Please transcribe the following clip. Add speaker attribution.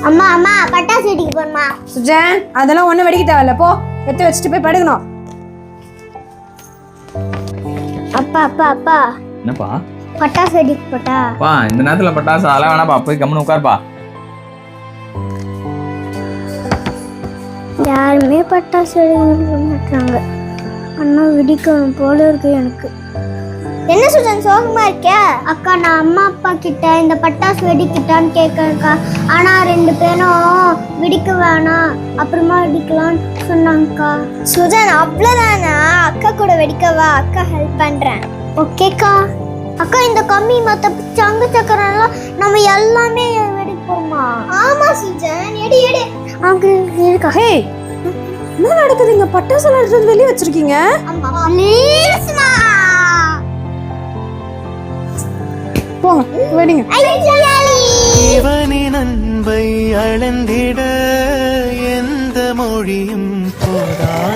Speaker 1: அம்மா அம்மா பட்டாசு வெடிக்க போறமா?
Speaker 2: சுஜன் அதெல்லாம் ஒன்றும் வெடிக்க தேவையில்ல, போ வெட்டி வச்சுட்டு போய் படுக்கணும்.
Speaker 1: அப்பா அப்பா அப்பா
Speaker 3: என்னப்பா
Speaker 1: பட்டாசு வெடிக்க போட்டா?
Speaker 3: பா இந்த நேரத்துல பட்டாசு அதெல்லாம் வேணாப்பா, போய் கம்முன்னு உட்காருப்பா.
Speaker 1: யாருமே பட்டாசு வெடிக்க மாட்டாங்க. அண்ணா வெடிக்கணும் போல இருக்கு எனக்கு. என்ன சுஜன் சோகமா இருக்க? அக்கா நான் அம்மா அப்பா கிட்ட இந்த பட்டாசு வெடிக்கிட்டான்னு கேட்கறேன்க்கா. ஆனா 2 பேரும் வெடிக்க வேணாம் அப்புறமா வெடிக்கலாம்னு சொன்னாங்கக்கா. சுஜன் அவ்வளோதானா? அக்கா கூட வெடிக்கவா, அக்கா ஹெல்ப் பண்றேன். ஓகேக்கா. அக்கா இந்த கம்மி மத்த சங்கு சக்கரெல்லாம் நம்ம எல்லாமே வெடிப்போமா? ஆமா சுஜன், எடு எடு. அங்க இருக்கா?
Speaker 2: ஹே, என்ன நடக்குது இங்க? பட்டாசு எடுத்து வெளியே வச்சிருக்கீங்க.
Speaker 1: அம்மா ப்ளீஸ்மா.
Speaker 2: போங்க வெடிங்க.
Speaker 4: இவனின் அன்பை அளந்திட எந்த மொழியும் போதா.